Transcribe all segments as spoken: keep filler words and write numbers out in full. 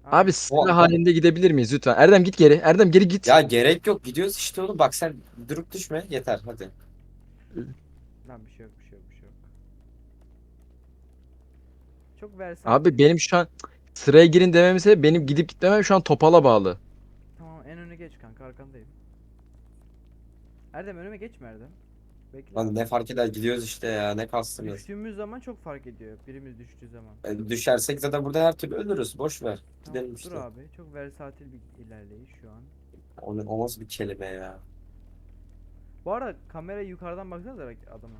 Abi Aynen. sıra O, halinde gidebilir miyiz lütfen? Erdem git geri. Erdem geri git. ya gerek yok, gidiyoruz işte oğlum. Bak sen durup düşme yeter hadi. Lan bir şey yok bir şey yok bir şey yok. Çok versatil. Abi benim şu an sıraya girin dememin sebebi benim gidip gitmemem şu an topala bağlı. Tamam en öne geç kanka arkandayım. Erdem önüme geçme Erdem. Bekle Lan abi. ne fark eder, gidiyoruz işte ya, ne kastınız. Düştüğümüz zaman çok fark ediyor. Birimiz düştüğü zaman. E, düşersek zaten burada her türlü ölürüz, boş ver. Tamam Gidelim dur işte. abi. Çok versatil bir ilerleyiş şu an. O, ne- o nasıl bir kelime ya. Bu arada kamerayı yukarıdan baksanıza bak adama.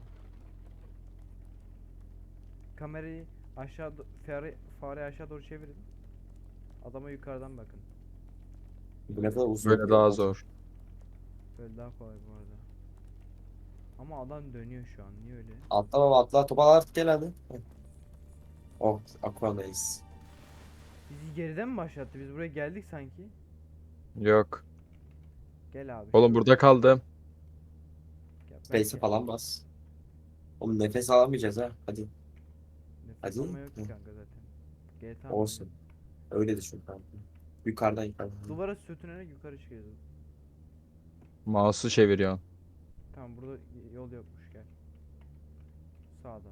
Kamerayı aşağı do- fare, fare aşağı doğru çevirin. Adama yukarıdan bakın. Bu ne kadar uzun Böyle bir yol daha lan. zor. Böyle daha kolay bu arada. Ama adam dönüyor şu an. Niye öyle? Atla baba, atla, toparlan artık, gel hadi. Heh. Oh, Aquana'yız. Bizi geriden mi başlattı? Biz buraya geldik sanki. Yok. Gel abi Oğlum şöyle. burada kaldım. Gel. Space'e Belki falan bas. Oğlum nefes alamayacağız ha. Hadi. nefes Hadi. alma yok ki Heh. kanka zaten. G T A mı Olsun. oynuyorsun? Öyle düşün kanka. Yukarıdan yukarıdan. Duvara sürtünerek yukarı çıkıyoruz. Mouse'u çeviriyorsun. Tamam burada yol yokmuş gel. Sağda.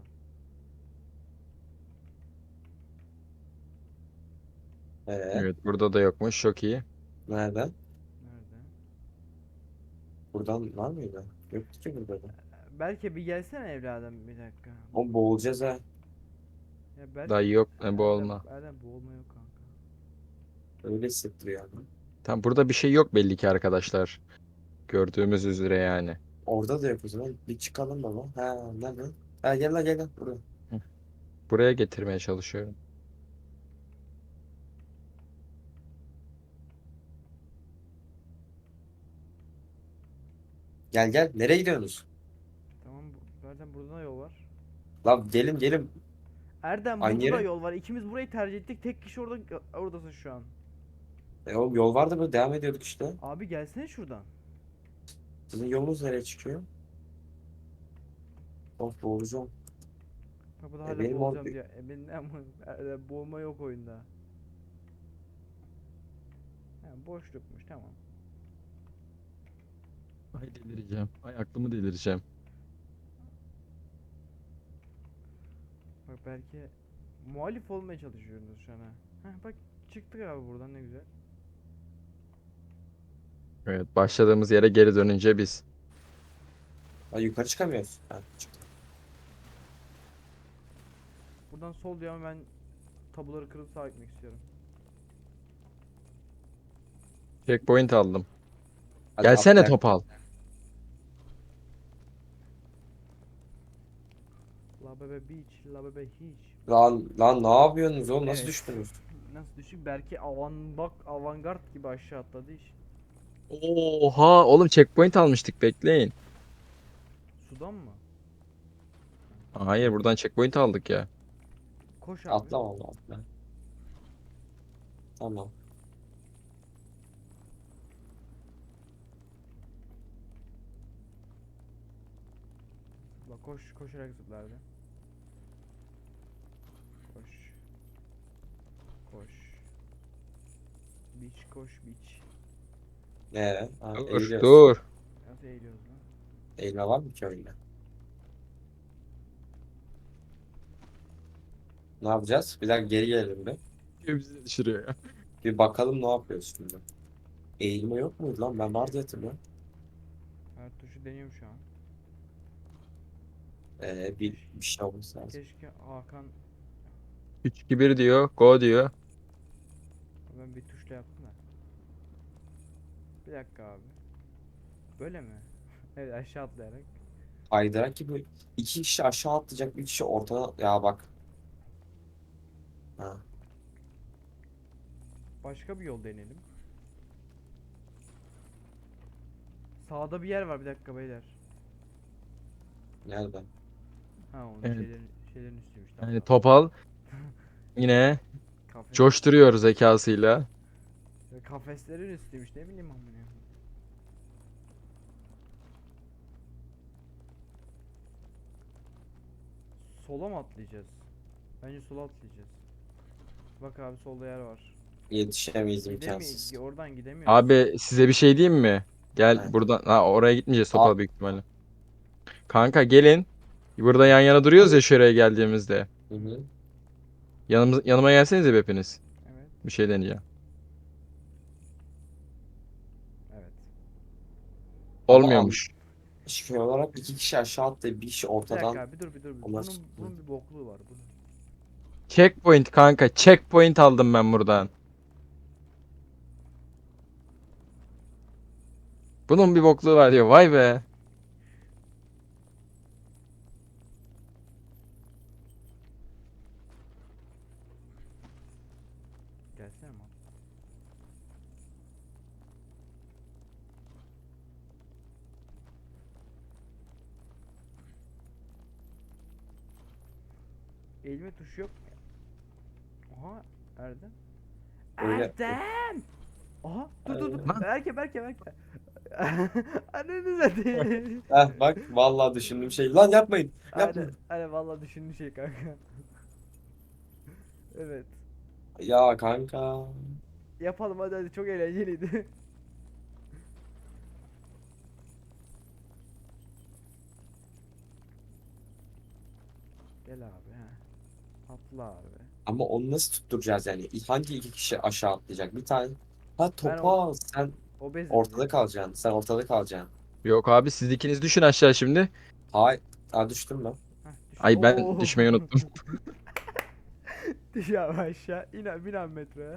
Ee, Evet burada da yokmuş. Çok iyi. nereden? Nerede? Buradan var mıydı? Yoktu ki burada da. Belki bir gelsene evladım bir dakika. Oğlum boğulacağız ha. Ya belki Dayı yok. Ne bu Erdem, olma. Erdem boğulma yok kanka. Öyle hissettiriyor yani. Tam burada bir şey yok belli ki arkadaşlar. Gördüğümüz üzere yani. Orada da yok o zaman. Bir çıkalım baba. Ha, nerede? Ha, gel lan, gel lan buraya. Hı. Buraya getirmeye çalışıyorum. Gel gel. Nereye gidiyorsunuz? Tamam bu- Erdem burada da yol var. Lan gelin gelin. Erdem Aynı burada da yere. yol var. İkimiz burayı tercih ettik. Tek kişi orada oradasın şu an. E oğlum yol vardı, böyle devam ediyorduk işte. Abi gelsene şuradan. Sizin yolunuz nereye çıkıyor? Of, boğulacağım. Bak bu da E hala benim or boğulacağım diyor. E benim ne ama Erdem boğulma yok oyunda. Ha, boşlukmuş tamam. Ay delireceğim. Ay aklımı delireceğim. Bak belki muhalif olmaya çalışıyorsunuz şu an ha. Heh, bak çıktık abi buradan ne güzel. Evet başladığımız yere geri dönünce biz. Ha, yukarı çıkamıyoruz. Ha, çıktık. Buradan sol diyor ama ben tabuları kırıp sağa gitmek istiyorum. Checkpoint aldım. Hadi Gelsene atlayak. Topal. La bebe beach, la bebe hiç. Lan lan ne yapıyorsunuz oğlum? Nasıl Evet. düştünüz? Nasıl düşük? Belki avan bak avantgard gibi aşağı atladı iş. Oha oğlum checkpoint almıştık bekleyin. Sudan mı? Hayır buradan checkpoint aldık ya. Koş abi. Atla valla, atla. Tamam. Bak koş koşarak zıplardı. Koş. Koş. Beach koş beach. Ee, ha, Dur eğiliyoruz. dur. Nasıl eğiliyoruz lan? Eğilme var mı ki öyle? Ne yapacağız? Bir dakika geri gelelim bir. Bizi düşürüyor ya. Bir bakalım ne yapıyoruz şimdi. Eğilme yok muydu lan? Ben var diye hatırlıyorum. Her tuşu deniyorum şu an. Ee, bir, Keşke, bir şey olması lazım. keşke Hakan üç iki bir diyor. Go diyor. ben bir tuşla yaptım da. Bir dakika abi. Böyle mi? Evet aşağı atlayarak. Kaydırak gibi iki kişi aşağı atlayacak, bir kişi ortada. Ya bak. Ha. Başka bir yol deneyelim. Sağda bir yer var bir dakika beyler. Nerede? Ha onun Evet. şeylerin şeylerin üstüymüş tamam Yani tamam. Topal yine Kafes, coşturuyor zekasıyla. kafeslerin üstüymüş ne bileyim amına. Sola mı atlayacağız? Bence sola atlayacağız. Bak abi solda yer var. Yetişemeyiz, Gidemeyiz. imkansız. Oradan gidemiyoruz. Abi size bir şey diyeyim mi? Gel Evet. buradan. Ha, oraya gitmeyeceğiz Aa. topal büyük ihtimalle. Kanka gelin. Burada yan yana duruyoruz ya şuraya geldiğimizde. Hı hı. Yanımız, yanıma gelsenize bir hepiniz. Evet. Bir şey deneyeceğim. Evet. Ama an Olmuyormuş. şey olarak iki kişi aşağı atlayıp bir kişi Bir dakika ortadan abi dur bir dur. bir. olmaz. Bunun, bunun bir bokluğu var. Bunun. Checkpoint kanka. Checkpoint aldım ben buradan. Bunun bir bokluğu var diyor. Vay be. Gelsene ama. Eğilme tuşu yok. Aha Erdem. Öyle. Erdem! Aha dur dur dur. Aynen. Lan. Berke Berke Berke. Ananı satayım. Heh, bak vallahi düşündüğüm şey. Lan yapmayın. Aynen, Yapmayın. aynen vallahi düşündüğün şey kanka. Evet. Ya kanka. Yapalım hadi hadi çok eğlenceliydi. Gel abi ha. Atla abi. Ama onu nasıl tutturacağız yani? Hangi iki kişi aşağı atlayacak? Bir tane. Ha Ben topa sen Obezim. ortada kalacaksın. Sen ortada kalacaksın. Yok abi siz ikiniz düşün aşağı şimdi. Hay. Ha düştüm ben. Heh, düş. Ay ben Oo. düşmeyi unuttum. Düş abi aşağı. İn abi bin abi metroya.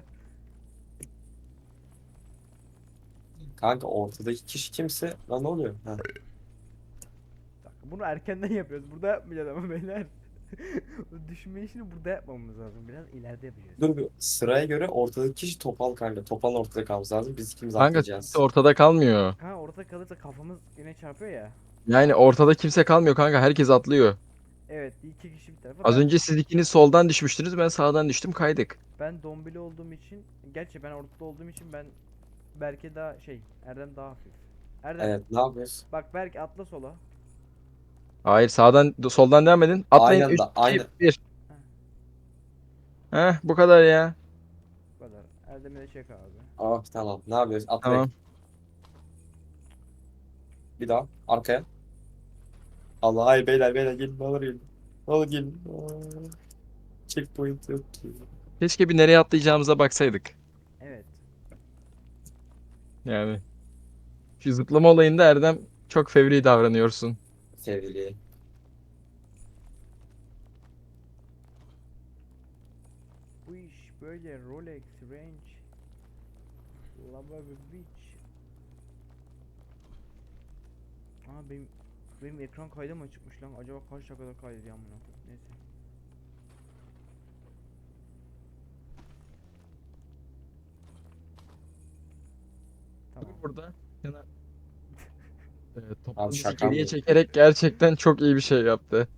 Kanka ortadaki kişi kimse. Lan ne oluyor? Ha. Bak, bunu erkenden yapıyoruz. Burada yapmayacağız ama beyler. O düşme işini burada yapmamız lazım. Biraz ileride yapacağız. Dur bir sıraya göre ortadaki kişi topal kanka. Topal ortada kalması lazım. Biz ikimiz Kanka atlayacağız. kimse ortada kalmıyor. Ha orada kalırsa kafamız yine çarpıyor ya. Yani ortada kimse kalmıyor kanka. Herkes atlıyor. Evet iki kişi bir tarafa. Az Ben, önce siz ikiniz soldan düşmüştünüz. Ben sağdan düştüm kaydık. ben dombili olduğum için. Gerçi ben ortada olduğum için ben Berke daha şey Erdem daha hafif. Erdem Evet ne yapıyoruz? bak Berke atla sola. Hayır sağdan soldan devam edin. Atlayın. Aynı üç, anda iki, aynı. bir. Heh, Heh bu kadar ya. bu kadar. Erdem'i de çek abi. Ah tamam. Ne yapıyoruz? Atlayın. Tamam. Bir daha. Arkaya. Allah ay beyler beyler gelin. Ne olur gelin. Ne olur gelin. Aa, checkpoint yok ki. Keşke bir nereye atlayacağımıza baksaydık. Evet. Yani. Şu zıplama olayında Erdem çok fevri davranıyorsun. Sevgili. Bu iş böyle Rolex, Range, Lava Beach. Aa benim benim ekran kaydı mı çıkmış lan? Acaba kaç dakikada kaydediyor amına koyayım? Neyse. Tamam. Burada. Yana... Evet, Abi toplumuzu şaka geriye mı? çekerek gerçekten çok iyi bir şey yaptı.